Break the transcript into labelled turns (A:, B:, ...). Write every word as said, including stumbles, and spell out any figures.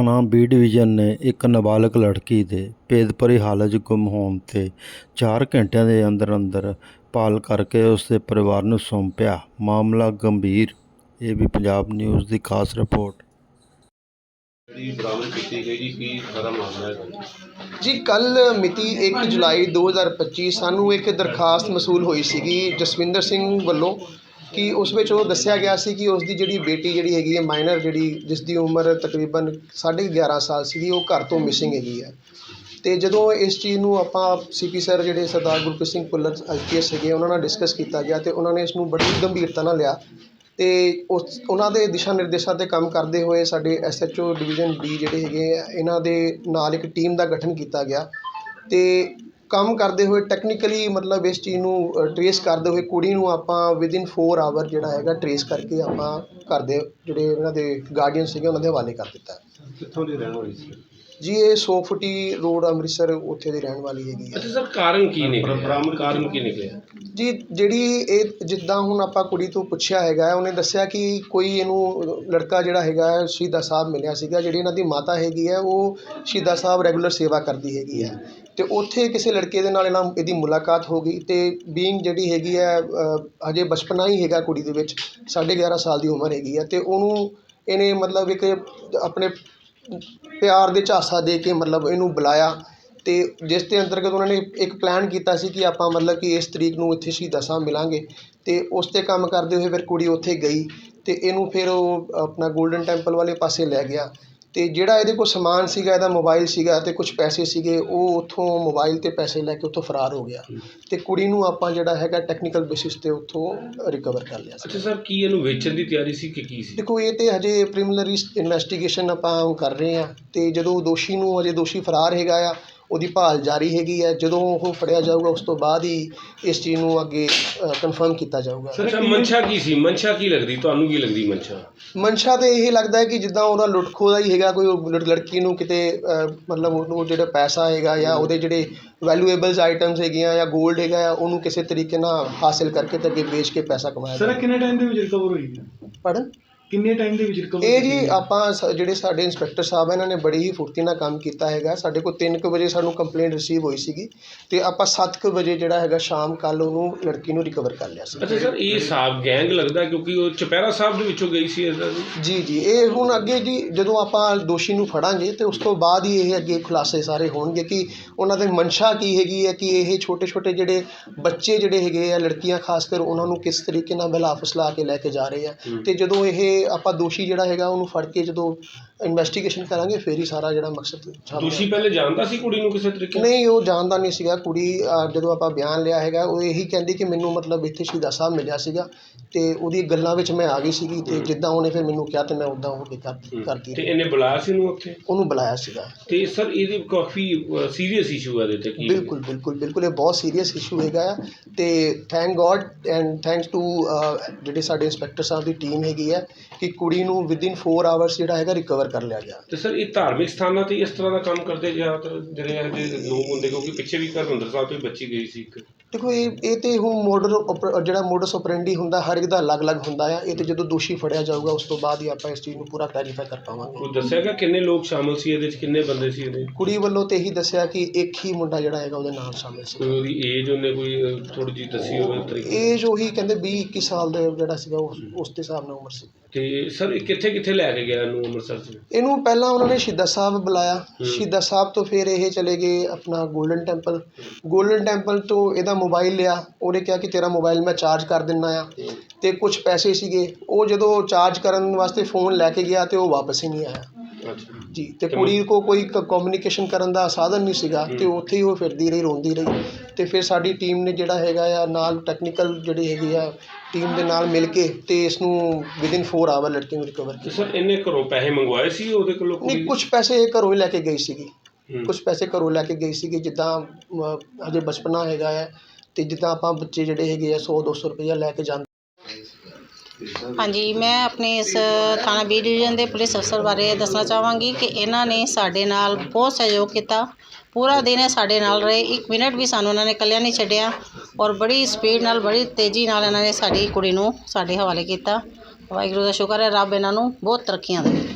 A: ਥਾਣਾ B division ਨੇ ਇੱਕ ਨਾਬਾਲਗ ਲੜਕੀ ਦੇ ਭੇਦਭਰੀ ਹਾਲਤ 'ਚ ਗੁੰਮ ਹੋਣ 'ਤੇ ਚਾਰ ਘੰਟਿਆਂ ਦੇ ਅੰਦਰ ਅੰਦਰ ਭਾਲ ਕਰਕੇ ਉਸ ਦੇ ਪਰਿਵਾਰ ਨੂੰ ਸੌਂਪਿਆ। ਮਾਮਲਾ ਗੰਭੀਰ। ਇਹ ਵੀ ਪੰਜਾਬ ਨਿਊਜ਼ ਦੀ ਖਾਸ ਰਿਪੋਰਟ।
B: ਬਰਾਮਦ ਕੀਤੀ ਗਈ ਜੀ ਕੀ ਸਾਰਾ ਮਾਮਲਾ ਹੈ
C: ਜੀ ਕੱਲ੍ਹ ਮਿਤੀ ਇੱਕ ਜੁਲਾਈ ਦੋ ਹਜ਼ਾਰ ਪੱਚੀ ਸਾਨੂੰ ਇੱਕ ਦਰਖਾਸਤ ਮਸੂਲ ਹੋਈ ਸੀਗੀ ਜਸਵਿੰਦਰ ਸਿੰਘ ਵੱਲੋਂ ਕਿ ਉਸ ਵਿੱਚ ਉਹ ਦੱਸਿਆ ਗਿਆ ਸੀ ਕਿ ਉਸ ਦੀ ਜਿਹੜੀ ਬੇਟੀ ਜਿਹੜੀ ਹੈਗੀ ਹੈ ਮਾਈਨਰ ਜਿਹੜੀ ਜਿਸ ਦੀ ਉਮਰ ਤਕਰੀਬਨ ਸਾਢੇ ਗਿਆਰਾਂ ਸਾਲ ਸੀਗੀ ਉਹ ਘਰ ਤੋਂ ਮਿਸਿੰਗ ਹੈਗੀ ਹੈ। ਅਤੇ ਜਦੋਂ ਇਸ ਚੀਜ਼ ਨੂੰ ਆਪਾਂ ਸੀ ਪੀ ਸਰ ਜਿਹੜੇ Sardar Gurpreet Singh Bhullar I P S ਹੈਗੇ ਉਹਨਾਂ ਨਾਲ ਡਿਸਕਸ ਕੀਤਾ ਗਿਆ ਅਤੇ ਉਹਨਾਂ ਨੇ ਇਸ ਨੂੰ ਬੜੀ ਗੰਭੀਰਤਾ ਨਾਲ ਲਿਆ ਅਤੇ ਉਸ ਉਹਨਾਂ ਦੇ ਦਿਸ਼ਾ ਨਿਰਦੇਸ਼ਾਂ 'ਤੇ ਕੰਮ ਕਰਦੇ ਹੋਏ ਸਾਡੇ S H O division B ਜਿਹੜੇ ਹੈਗੇ ਆ ਇਹਨਾਂ ਦੇ ਨਾਲ ਇੱਕ ਟੀਮ ਦਾ ਗਠਨ ਕੀਤਾ ਗਿਆ ਅਤੇ ਕੰਮ ਕਰਦੇ ਹੋਏ ਟੈਕਨੀਕਲੀ ਮਤਲਬ ਇਸ ਚੀਜ਼ ਨੂੰ ਟਰੇਸ ਕਰਦੇ ਹੋਏ ਕੁੜੀ ਨੂੰ ਆਪਾਂ ਵਿਦਇਨ ਫੋਰ ਆਵਰ ਜਿਹੜਾ ਹੈਗਾ ਟਰੇਸ ਕਰਕੇ ਆਪਾਂ ਘਰ ਦੇ ਜਿਹੜੇ ਇਹਨਾਂ ਦੇ ਗਾਰਡੀਅਨ ਸੀਗੇ ਉਹਨਾਂ ਦੇ ਹਵਾਲੇ ਕਰ ਦਿੱਤਾ।
B: ਕਿੱਥੋਂ ਦੀ ਰਹਿਣ ਵਾਲੀ ਸੀ
C: ਜੀ ਇਹ ਸੌ ਫੁੱਟੀ ਰੋਡ ਅੰਮ੍ਰਿਤਸਰ ਉੱਥੇ ਦੀ ਰਹਿਣ ਵਾਲੀ ਹੈਗੀ ਹੈ।
B: ਅੱਛਾ ਸਰ ਕਾਰਨ ਕੀ ਨਿਕਲਿਆ ਬਰਾਮਦ ਕਾਰਨ ਕੀ ਨਿਕਲਿਆ
C: ਜੀ ਜਿਹੜੀ ਇਹ ਜਿੱਦਾਂ ਹੁਣ ਆਪਾਂ ਕੁੜੀ ਤੋਂ ਪੁੱਛਿਆ ਹੈਗਾ ਉਹਨੇ ਦੱਸਿਆ ਕਿ ਕੋਈ ਇਹਨੂੰ ਲੜਕਾ ਜਿਹੜਾ ਹੈਗਾ ਸ਼ਹੀਦਾਂ ਸਾਹਿਬ ਮਿਲਿਆ ਸੀਗਾ। ਜਿਹੜੀ ਇਹਨਾਂ ਦੀ ਮਾਤਾ ਹੈਗੀ ਹੈ ਉਹ ਸ਼ਹੀਦਾਂ ਸਾਹਿਬ ਰੈਗੂਲਰ ਸੇਵਾ ਕਰਦੀ ਹੈਗੀ ਹੈ ਅਤੇ ਉੱਥੇ ਕਿਸੇ ਲੜਕੇ ਦੇ ਨਾਲ ਇਹਨਾਂ ਇਹਦੀ ਮੁਲਾਕਾਤ ਹੋ ਗਈ ਅਤੇ ਬੀਇੰਗ ਜਿਹੜੀ ਹੈਗੀ ਹੈ ਹਜੇ ਬਚਪਨਾ ਹੀ ਹੈਗਾ ਕੁੜੀ ਦੇ ਵਿੱਚ ਸਾਢੇ ਗਿਆਰਾਂ ਸਾਲ ਦੀ ਉਮਰ ਹੈਗੀ ਹੈ ਅਤੇ ਉਹਨੂੰ ਇਹਨੇ ਮਤਲਬ ਇੱਕ ਆਪਣੇ ਪਿਆਰ ਦੇ ਝਾਂਸਾ ਦੇ ਕੇ ਮਤਲਬ ਇਹਨੂੰ ਬੁਲਾਇਆ ਅਤੇ ਜਿਸ ਦੇ ਅੰਤਰਗਤ ਉਹਨਾਂ ਨੇ ਇੱਕ ਪਲਾਨ ਕੀਤਾ ਸੀ ਕਿ ਆਪਾਂ ਮਤਲਬ ਕਿ ਇਸ ਤਰੀਕ ਨੂੰ ਇੱਥੇ ਸ਼ਹੀਦਾਂ ਸਾਹਿਬ ਮਿਲਾਂਗੇ ਅਤੇ ਉਸ 'ਤੇ ਕੰਮ ਕਰਦੇ ਹੋਏ ਫਿਰ ਕੁੜੀ ਉੱਥੇ ਗਈ ਅਤੇ ਇਹਨੂੰ ਫਿਰ ਉਹ ਆਪਣਾ ਗੋਲਡਨ ਟੈਂਪਲ ਵਾਲੇ ਪਾਸੇ ਲੈ ਗਿਆ ਅਤੇ ਜਿਹੜਾ ਇਹਦੇ ਕੋਲ ਸਮਾਨ ਸੀਗਾ ਇਹਦਾ ਮੋਬਾਈਲ ਸੀਗਾ ਅਤੇ ਕੁਛ ਪੈਸੇ ਸੀਗੇ ਉਹ ਉੱਥੋਂ ਮੋਬਾਈਲ 'ਤੇ ਪੈਸੇ ਲੈ ਕੇ ਉੱਥੋਂ ਫਰਾਰ ਹੋ ਗਿਆ ਅਤੇ ਕੁੜੀ ਨੂੰ ਆਪਾਂ ਜਿਹੜਾ ਹੈਗਾ ਟੈਕਨੀਕਲ ਬੇਸਿਸ 'ਤੇ ਉੱਥੋਂ ਰਿਕਵਰ ਕਰ ਲਿਆ ਸੀ।
B: ਅੱਛਾ ਸਰ ਕੀ ਇਹਨੂੰ ਵੇਚਣ ਦੀ ਤਿਆਰੀ ਸੀ ਕਿ ਕੀ ਸੀ?
C: ਦੇਖੋ ਇਹ ਤਾਂ ਹਜੇ ਪ੍ਰੀਲਿਮਿਨਰੀ ਇਨਵੈਸਟੀਗੇਸ਼ਨ ਆਪਾਂ ਕਰ ਰਹੇ ਹਾਂ ਅਤੇ ਜਦੋਂ ਦੋਸ਼ੀ ਨੂੰ ਹਜੇ ਦੋਸ਼ੀ ਫਰਾਰ ਹੈਗਾ ਆ ਉਹਦੀ ਭਾਲ ਜਾਰੀ ਹੈਗੀ ਹੈ। ਜਦੋਂ ਉਹ ਫੜਿਆ ਜਾਊਗਾ ਉਸ ਤੋਂ ਬਾਅਦ ਹੀ ਇਸ ਚੀਜ਼ ਨੂੰ ਅੱਗੇ ਕਨਫਰਮ ਕੀਤਾ ਜਾਊਗਾ।
B: ਸਰ ਮਨਸ਼ਾ ਕੀ ਸੀ ਮਨਸ਼ਾ ਕੀ ਲੱਗਦੀ ਤੁਹਾਨੂੰ ਕੀ ਲੱਗਦੀ ਮਨਸ਼ਾ?
C: ਮਨਸ਼ਾ ਤਾਂ ਇਹ ਲੱਗਦਾ ਹੈ ਕਿ ਜਿੱਦਾਂ ਉਹਦਾ ਲੁੱਟ ਖੋਹ ਦਾ ਹੀ ਹੈਗਾ ਕੋਈ ਲੜਕੀ ਨੂੰ ਕਿਤੇ ਮਤਲਬ ਉਹਨੂੰ ਜਿਹੜਾ ਪੈਸਾ ਹੈਗਾ ਜਾਂ ਉਹਦੇ ਜਿਹੜੇ ਵੈਲੂਏਬਲਸ ਆਈਟਮਸ ਹੈਗੀਆਂ ਜਾਂ ਗੋਲਡ ਹੈਗਾ ਆ ਉਹਨੂੰ ਕਿਸੇ ਤਰੀਕੇ ਨਾਲ ਹਾਸਿਲ ਕਰਕੇ ਤੇ ਅੱਗੇ ਵੇਚ ਕੇ ਪੈਸਾ ਕਮਾਇਆ।
D: ਸਰ ਕਿੰਨੇ ਟਾਈਮ ਦੇ ਵਿੱਚ ਰਿਕਵਰ ਹੋਈ ਹੈ?
C: ਪੜ੍ਹਨ
D: ਕਿੰਨੇ ਟਾਈਮ ਦੇ ਵਿੱਚ ਰਿਕਵਰ?
C: ਇਹ ਜੀ ਆਪਾਂ ਜਿਹੜੇ ਸਾਡੇ ਇੰਸਪੈਕਟਰ ਸਾਹਿਬ ਇਹਨਾਂ ਨੇ ਬੜੀ ਹੀ ਫੁਰਤੀ ਨਾਲ ਕੰਮ ਕੀਤਾ ਹੈਗਾ। ਸਾਡੇ ਕੋਲ ਤਿੰਨ ਕੁ ਵਜੇ ਸਾਨੂੰ ਕੰਪਲੇਂਟ ਰਿਸੀਵ ਹੋਈ ਸੀਗੀ ਅਤੇ ਆਪਾਂ ਸੱਤ ਕੁ ਵਜੇ ਜਿਹੜਾ ਹੈਗਾ ਸ਼ਾਮ ਕੱਲ੍ਹ ਉਹਨੂੰ ਲੜਕੀ ਨੂੰ ਰਿਕਵਰ ਕਰ ਲਿਆ ਸੀ।
B: ਅੱਛਾ ਸਰ ਇਹ ਸਾਹਿਬ ਗੈਂਗ ਲੱਗਦਾ ਕਿਉਂਕਿ ਉਹ ਚੁਪਹਿਰਾ ਸਾਹਿਬ ਦੇ ਵਿੱਚੋਂ ਗਈ ਸੀ ਇਸਦਾ?
C: ਜੀ ਜੀ ਇਹ ਹੁਣ ਅੱਗੇ ਜੀ ਜਦੋਂ ਆਪਾਂ ਦੋਸ਼ੀ ਨੂੰ ਫੜਾਂਗੇ ਅਤੇ ਉਸ ਤੋਂ ਬਾਅਦ ਹੀ ਇਹ ਅੱਗੇ ਖੁਲਾਸੇ ਸਾਰੇ ਹੋਣਗੇ ਕਿ ਉਹਨਾਂ ਦੇ ਮਨਸ਼ਾ ਕੀ ਹੈਗੀ ਹੈ ਕਿ ਇਹ ਛੋਟੇ ਛੋਟੇ ਜਿਹੜੇ ਬੱਚੇ ਜਿਹੜੇ ਹੈਗੇ ਆ ਲੜਕੀਆਂ ਖਾਸ ਕਰ ਉਹਨਾਂ ਨੂੰ ਕਿਸ ਤਰੀਕੇ ਨਾਲ ਬਹਿਲਾ ਫੁਸਲਾ ਕੇ ਲੈ ਕੇ ਜਾ ਰਹੇ ਆ ਅਤੇ ਜਦੋਂ ਇਹ ਆਪਾਂ ਦੋਸ਼ੀ ਜਿਹੜਾ ਹੈਗਾ ਉਹਨੂੰ ਫੜ ਕੇ ਜਦੋਂ ਇਨਵੈਸਟੀਗੇਸ਼ਨ ਕਰਾਂਗੇ ਫਿਰ ਹੀ ਸਾਰਾ ਜਿਹੜਾ ਮਕਸਦ।
B: ਦੋਸ਼ੀ ਪਹਿਲੇ ਜਾਣਦਾ ਸੀ ਕੁੜੀ ਨੂੰ ਕਿਸੇ ਤਰੀਕੇ?
C: ਨਹੀਂ ਉਹ ਜਾਣਦਾ ਨਹੀਂ ਸੀਗਾ। ਕੁੜੀ ਜਦੋਂ ਆਪਾਂ ਬਿਆਨ ਲਿਆ ਹੈਗਾ ਉਹ ਇਹੀ ਕਹਿੰਦੀ ਕਿ ਮੈਨੂੰ ਮਤਲਬ ਇੱਥੇ ਸ਼ਹੀਦਾਂ ਸਾਹਿਬ ਮਿਲਿਆ ਸੀਗਾ ਅਤੇ ਉਹਦੀ ਗੱਲਾਂ ਵਿੱਚ ਮੈਂ ਆ ਗਈ ਸੀਗੀ ਅਤੇ ਜਿੱਦਾਂ ਉਹਨੇ ਫਿਰ ਮੈਨੂੰ ਕਿਹਾ ਅਤੇ ਮੈਂ ਉੱਦਾਂ ਹੋ ਕੇ ਕਰ ਕਰਦੀ।
B: ਅਤੇ ਇਹਨੇ ਬੁਲਾਇਆ ਸੀ ਉਹਨੂੰ ਉੱਥੇ?
C: ਉਹਨੂੰ ਬੁਲਾਇਆ ਸੀਗਾ।
B: ਅਤੇ ਸਰ ਇਹਦੇ ਕਾਫੀ ਸੀਰੀਅਸ ਇਸ਼ੂ ਹੈ ਇਹਦੇ 'ਤੇ ਕੀ?
C: ਬਿਲਕੁਲ ਬਿਲਕੁਲ ਬਿਲਕੁਲ ਇਹ ਬਹੁਤ ਸੀਰੀਅਸ ਇਸ਼ੂ ਹੈਗਾ ਆ ਅਤੇ thank god and thanks to ਜਿਹੜੇ ਸਾਡੇ ਇੰਸਪੈਕਟਰ ਸਾਹਿਬ ਦੀ ਟੀਮ ਹੈਗੀ ਹੈ ਕਿ ਕੁੜੀ ਨੂੰ ਵਿਦਇਨ ਫੋਰ ਆਵਰਸ ਜਿਹੜਾ ਹੈਗਾ ਰਿਕਵਰ ਕਰ ਲਿਆ ਗਿਆ।
B: ਅਤੇ ਸਰ ਇਹ ਧਾਰਮਿਕ ਸਥਾਨਾਂ 'ਤੇ ਇਸ ਤਰ੍ਹਾਂ ਦਾ ਕੰਮ ਕਰਦੇ ਜ਼ਿਆਦਾਤਰ ਜਿਹੜੇ ਇਹੋ ਜਿਹੇ ਲੋਕ ਹੁੰਦੇ ਕਿਉਂਕਿ ਪਿੱਛੇ ਵੀ ਹਰਿਮੰਦਰ ਸਾਹਿਬ ਤੋਂ ਬੱਚੀ ਗਈ ਸੀ ਇੱਕ?
C: ਦੇਖੋ ਇਹ ਇਹ ਤਾਂ ਹੁਣ ਮੋਡਰ ਜਿਹੜਾ ਮੋਡਸ ਓਪਰੈਂਡੀ ਹੁੰਦਾ ਹਰ ਇੱਕ ਦਾ ਅਲੱਗ-ਅਲੱਗ ਹੁੰਦਾ ਆ। ਇਹ ਤਾਂ ਜਦੋਂ ਦੋਸ਼ੀ ਫੜਿਆ ਜਾਊਗਾ ਉਸ ਤੋਂ ਬਾਅਦ ਹੀ ਆਪਾਂ ਇਸ ਚੀਜ਼ ਨੂੰ ਪੂਰਾ ਕਲੈਰੀਫਾਈ ਕਰ ਪਾਵਾਂਗੇ।
B: ਕੋਈ ਦੱਸਿਆ ਗਿਆ ਕਿੰਨੇ ਲੋਕ ਸ਼ਾਮਲ ਸੀ ਇਹਦੇ 'ਚ ਕਿੰਨੇ ਬੰਦੇ ਸੀ ਇਹਦੇ? ਕੁੜੀ
C: ਵੱਲੋਂ ਤਾਂ ਇਹੀ ਦੱਸਿਆ ਕਿ ਇੱਕ ਹੀ ਮੁੰਡਾ ਜਿਹੜਾ ਹੈਗਾ ਉਹਦੇ ਨਾਲ ਸ਼ਾਮਿਲ ਸੀ।
B: ਕੋਈ ਉਹਦੀ ਏਜ ਉਹਨੇ ਕੋਈ ਥੋੜ੍ਹੀ ਜਿਹੀ ਦੱਸੀ ਹੋਵੇ ਤਰੀਕੇ?
C: ਏਜ ਉਹੀ ਕਹਿੰਦੇ ਵੀਹ ਇੱਕੀ ਸਾਲ ਦਾ ਜਿਹੜਾ ਸੀਗਾ ਉਸ ਉਸ ਦੇ ਹਿਸਾਬ ਨਾਲ ਉਮਰ ਸੀ।
B: ਅਤੇ ਸਰ ਇਹ ਕਿੱਥੇ ਕਿੱਥੇ ਲੈ ਕੇ ਗਿਆ ਇਹਨੂੰ ਅੰਮ੍ਰਿਤਸਰ 'ਚ?
C: ਇਹਨੂੰ ਪਹਿਲਾਂ ਉਹਨਾਂ ਨੇ ਸ਼ਹੀਦਾਂ ਸਾਹਿਬ ਬੁਲਾਇਆ। ਸ਼ਹੀਦਾਂ ਸਾਹਿਬ ਤੋਂ ਫਿਰ ਇਹ ਚਲੇ ਗਏ ਆਪਣਾ ਗੋਲਡਨ ਟੈਂਪਲ। ਗੋਲਡਨ ਟੈਂਪਲ ਤੋਂ ਇਹਦਾ ਮੋਬਾਈਲ ਲਿਆ। ਉਹਨੇ ਕਿਹਾ ਕਿ ਤੇਰਾ ਮੋਬਾਈਲ ਮੈਂ ਚਾਰਜ ਕਰ ਦਿੰਦਾ ਆ ਅਤੇ ਕੁਛ ਪੈਸੇ ਸੀਗੇ ਉਹ ਜਦੋਂ ਚਾਰਜ ਕਰਨ ਵਾਸਤੇ ਫ਼ੋਨ ਲੈ ਕੇ ਗਿਆ ਅਤੇ ਉਹ ਵਾਪਸ ਹੀ ਨਹੀਂ ਆਇਆ ਜੀ। ਅਤੇ ਕੁੜੀ ਕੋਲ ਕੋਈ ਕਮਿਊਨੀਕੇਸ਼ਨ ਕਰਨ ਦਾ ਸਾਧਨ ਨਹੀਂ ਸੀਗਾ ਅਤੇ ਉੱਥੇ ਹੀ ਉਹ ਫਿਰਦੀ ਰਹੀ ਰੋਂਦੀ ਰਹੀ ਅਤੇ ਫਿਰ ਸਾਡੀ ਟੀਮ ਨੇ ਜਿਹੜਾ ਹੈਗਾ ਆ ਨਾਲ ਟੈਕਨੀਕਲ ਜਿਹੜੀ ਹੈਗੀ ਆ ਟੀਮ ਦੇ ਨਾਲ ਮਿਲ ਕੇ ਅਤੇ ਇਸ ਨੂੰ ਵਿਦਇਨ ਫੋਰ ਆਵਰ ਲੜਕੀ ਨੂੰ ਰਿਕਵਰ ਕੀਤਾ।
B: ਸਰ ਇਹਨੇ ਘਰੋਂ ਪੈਸੇ ਮੰਗਵਾਏ ਸੀ ਉਹਦੇ ਕੋਲੋਂ?
C: ਨਹੀਂ ਕੁਛ ਪੈਸੇ ਘਰੋਂ ਹੀ ਲੈ ਕੇ ਗਈ ਸੀਗੀ। ਕੁਛ ਪੈਸੇ ਘਰੋਂ ਲੈ ਕੇ ਗਈ ਸੀਗੀ ਜਿੱਦਾਂ ਹਜੇ ਬਚਪਨਾ ਹੈਗਾ ਹੈ ਅਤੇ ਜਿੱਦਾਂ ਆਪਾਂ ਬੱਚੇ ਜਿਹੜੇ ਹੈਗੇ ਆ ਸੌ ਦੋ ਸੌ ਰੁਪਈਆ ਲੈ ਕੇ ਜਾਂਦੇ।
E: ਹਾਂਜੀ ਮੈਂ ਆਪਣੇ ਇਸ ਥਾਣਾ ਬੀ ਡਿਵੀਜ਼ਨ ਦੇ ਪੁਲਿਸ ਅਫਸਰ ਬਾਰੇ ਦੱਸਣਾ ਚਾਹਾਂਗੀ ਕਿ ਇਹਨਾਂ ਨੇ ਸਾਡੇ ਨਾਲ ਬਹੁਤ ਸਹਿਯੋਗ ਕੀਤਾ। ਪੂਰਾ ਦਿਨ ਇਹ ਸਾਡੇ ਨਾਲ ਰਹੇ। ਇੱਕ ਮਿੰਟ ਵੀ ਸਾਨੂੰ ਉਹਨਾਂ ਨੇ ਇਕੱਲਿਆਂ ਨਹੀਂ ਛੱਡਿਆ ਔਰ ਬੜੀ ਸਪੀਡ ਨਾਲ ਬੜੀ ਤੇਜ਼ੀ ਨਾਲ ਇਹਨਾਂ ਨੇ ਸਾਡੀ ਕੁੜੀ ਨੂੰ ਸਾਡੇ ਹਵਾਲੇ ਕੀਤਾ। ਵਾਹਿਗੁਰੂ ਦਾ ਸ਼ੁਕਰ ਹੈ ਰੱਬ ਇਹਨਾਂ ਨੂੰ ਬਹੁਤ ਤਰੱਕੀਆਂ ਦੇਵੇ।